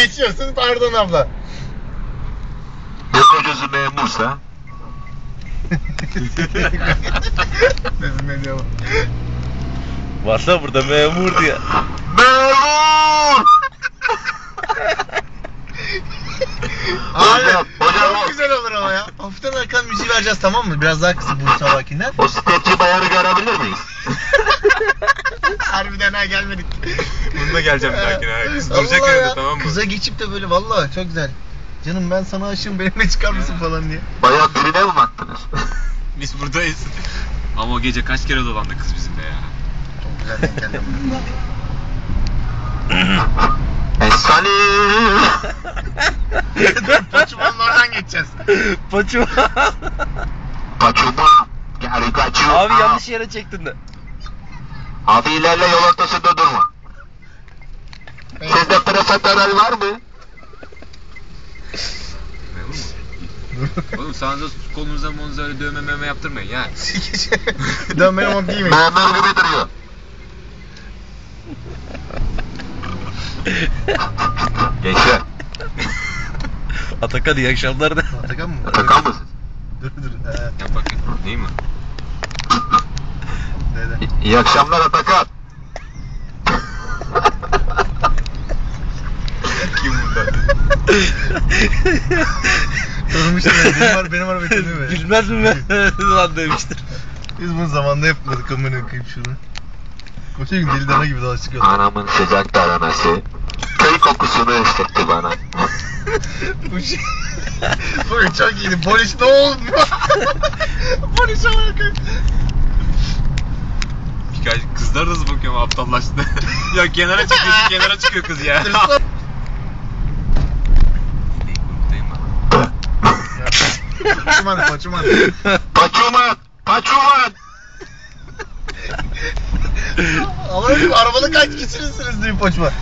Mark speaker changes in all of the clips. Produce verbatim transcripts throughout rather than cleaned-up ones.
Speaker 1: geçiyorsun, pardon abla.
Speaker 2: Ne kocası memursa?
Speaker 1: Dedim ne diyor?
Speaker 3: Varsa burada memur diye.
Speaker 2: Memur!
Speaker 1: Abi
Speaker 2: Hocam, hocam
Speaker 1: çok
Speaker 2: o-
Speaker 1: güzel olur ama ya. Hafiften arkan müziği vereceğiz, tamam mı? Biraz daha kısık bu sabakinden.
Speaker 2: O sketçi bayanı görebilir miyiz?
Speaker 1: Harbiden ha, gelmedik.
Speaker 4: Bununla geleceğim bir dahakine ha. Kız
Speaker 1: Allah
Speaker 4: duracak
Speaker 1: ya.
Speaker 4: önünde, tamam mı?
Speaker 1: Kıza geçip de böyle vallahi çok güzel. Canım ben sana aşığım, benimle çıkar mısın falan diye.
Speaker 2: Bayan birine mi baktınız?
Speaker 4: Biz buradayız. Ama o gece kaç kere dolandı kız bizimle ya.
Speaker 1: Çok güzel denk geldi ama.
Speaker 2: Esali!
Speaker 1: Paçumanın oradan geçeceğiz.
Speaker 3: Paço.
Speaker 2: Kaçuma! Geri kaçıyor!
Speaker 3: Abi yanlış yere çektin de.
Speaker 2: Abi ilerle, yol ortasında durma. Sizde profiterol var mı?
Speaker 4: Memur mu? Oğlum sağınıza kolunuza monuza öyle dövme mövme yaptırmayın ya.
Speaker 1: Dönmeye mont giymeyin.
Speaker 2: Memur gibi duruyor. Gençler,
Speaker 3: Atakan iyi akşamlar da.
Speaker 1: Atakan mı?
Speaker 2: Atakan mısın?
Speaker 1: Dur dur. He.
Speaker 4: Yap bakayım. Değil mi?
Speaker 1: Neden?
Speaker 2: İ- İyi akşamlar Atakan.
Speaker 4: Kim burada?
Speaker 1: Sormuştum ya, benim var benim var benim mi?
Speaker 3: Bilmez mi ben? Lan demiştir.
Speaker 1: Biz bunu zamanında yapmadık, amına koyayım şunu. Koşa gün deli dana gibi dolaştık yolda.
Speaker 2: Anamın sıcak taranası köy kokusunu hissetti bana.
Speaker 1: Bu şey... Bu çok iyiydi. Polis ne olmuyor? Polis olarak.
Speaker 4: Birkaç kızlar da hızlı bakıyor ama aptallaştı. Ya kenara çıkıyor, kenara çıkıyor kız ya. Değil mi?
Speaker 1: Paçuman, paçuman.
Speaker 2: Paçuman! Paçuman!
Speaker 1: Ama öyle arabada kaç kişisiniz diye paçuman.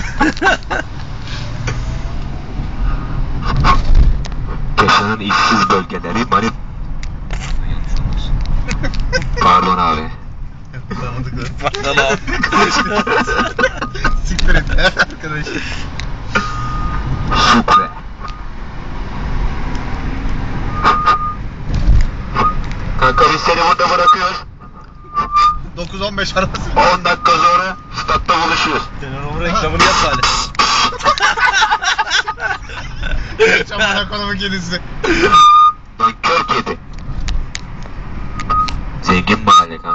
Speaker 2: Keşanın işsiz bölgeleri manip...
Speaker 4: Yanlış olmasın.
Speaker 2: Pardon abi.
Speaker 1: Tanıdıklar.
Speaker 3: Pardon abi.
Speaker 1: Siktir et arkadaş.
Speaker 2: Şükre. Kanka biz seni burada bırakıyoruz.
Speaker 1: dokuz on beş arabası.
Speaker 2: on dakika sonra statta buluşuyoruz.
Speaker 3: Sen onun reklamını yap bari.
Speaker 1: Çamana kolumu kedisi.
Speaker 2: Lan kör kedi. Zengin mahalle kanka.